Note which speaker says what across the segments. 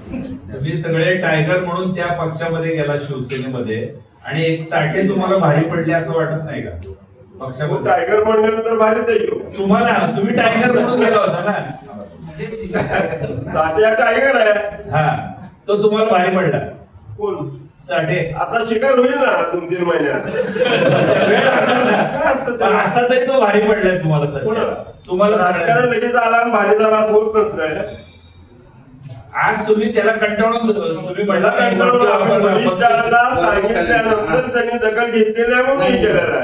Speaker 1: तुम्ही सगळे टायगर म्हणून त्या पक्षामध्ये गेला, शिवसेनेमध्ये, आणि एक साठे तुम्हाला भारी पडले असं वाटत नाही का पक्षामध्ये?
Speaker 2: टायगर म्हणल्यानंतर भारीच आहे.
Speaker 1: तुम्हाला, तुम्ही टायगर म्हणून गेला होता ना,
Speaker 2: साठे टायगर आहे.
Speaker 1: हा, तो तुम्हाला भारी पडला.
Speaker 2: कोण?
Speaker 1: साठे.
Speaker 2: आता शिकार होईल ना 2-3 महिन्यात.
Speaker 1: पण आता तरी तो भारी पडलाय तुम्हाला सर. तुम्हाला
Speaker 2: राजकारण लगेच आला आणि भारी झाला असं होत नसतंय.
Speaker 1: आज तुम्ही त्याला कंटाळून तुम्ही म्हणला
Speaker 2: सांगितल्यानंतर त्यांनी दखल घेतलेली आहे म्हणून मी केलेलं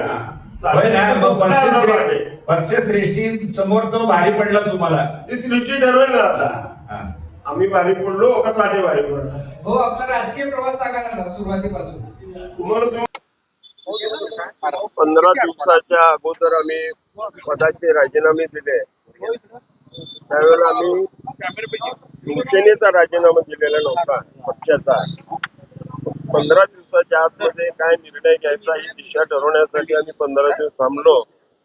Speaker 2: आहे.
Speaker 1: पक्षश्रेष्ठी समोर तो भारी पडला तुम्हाला.
Speaker 2: ती सृष्टी ठरवेल ना आता आम्ही भारी पडलो का साठे भारी पडलो.
Speaker 3: हो, आपला राजकीय प्रवास सांगा ना सुरुवातीपासून.
Speaker 2: तुम्हाला 15 दिवसाच्या अगोदर आम्ही पदाचे राजीनामे दिले. त्यावेळेला आम्ही शिवसेनेचा राजीनामा दिलेला नव्हता, पक्षाचा. 15 दिवसाच्या आतमध्ये काय निर्णय घ्यायचा ही दिशा ठरवण्यासाठी आम्ही 15 दिवस थांबलो.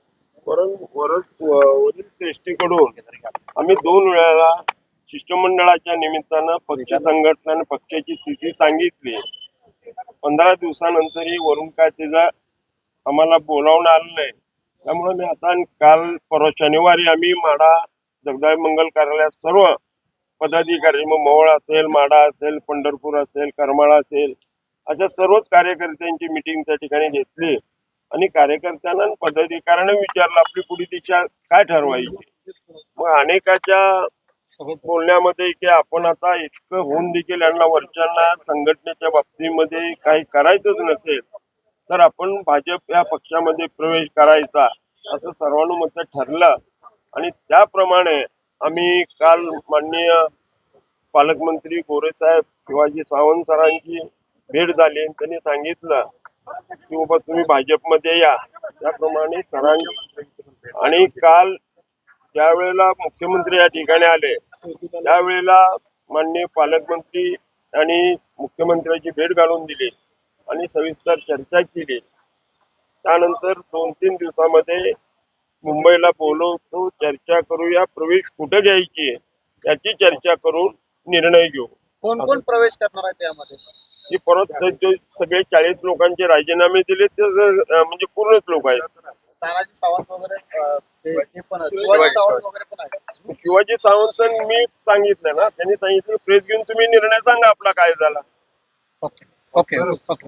Speaker 2: वरील श्रेष्ठीकडून आम्ही 2 वेळा शिष्टमंडळाच्या निमित्तानं पक्ष संघटना आणि पक्षाची स्थिती सांगितली. 15 दिवसानंतरही वरून काय त्याचा आम्हाला बोलावणं आलं नाही. त्यामुळे मी आता काल परवा शनिवारी आम्ही माढा जगदाळे मंगल कार्यालयात सर्व पदाधिकारी, मग मोहोळ असेल, माढा असेल, पंढरपूर असेल, करमाळा असेल, अशा सर्वच कार्यकर्त्यांची मिटिंग त्या ठिकाणी घेतली आणि कार्यकर्त्यांना आणि पदाधिकाऱ्यांना विचारलं आपली पुढे दिशा काय ठरवायची. मग अनेकाच्या बोलण्यामध्ये की आपण आता इतकं होऊन देखील यांना वरच्यांना संघटनेच्या बाबतीमध्ये काही करायचंच नसेल तर आपण भाजप या पक्षामध्ये प्रवेश करायचा असं सर्वानुमते ठरलं. आणि त्याप्रमाणे आम्ही काल माननीय पालकमंत्री गोरेसाहेब शिवाजी सावंत सरांची भेट झाली. त्यांनी सांगितलं की बाबा तुम्ही भाजपमध्ये या. त्याप्रमाणे सरांनी आणि काल ज्या वेळेला मुख्यमंत्री या ठिकाणी आले त्यावेळेला माननीय पालकमंत्री आणि मुख्यमंत्र्यांची भेट घालून दिली आणि सविस्तर चर्चा केली. त्यानंतर 2-3 दिवसामध्ये मुंबईला बोलवतो, चर्चा करूया, प्रवेश कुठे घ्यायची याची चर्चा करून निर्णय घेऊ.
Speaker 4: कोण कोण प्रवेश करणार आहे त्यामध्ये?
Speaker 2: की परत जे सगळे 40 लोकांचे राजीनामे दिले ते म्हणजे पूर्णच लोक आहेत.
Speaker 4: तानाजी सावंत वगैरे ते पण आहेत. शिवाजी सावंत वगैरे पण आहेत.
Speaker 2: शिवाजी सावंत मी सांगितलं ना, त्यांनी सांगितलं प्रेस घेऊन तुम्ही निर्णय सांगा आपला काय झाला.
Speaker 4: Okay okay okay.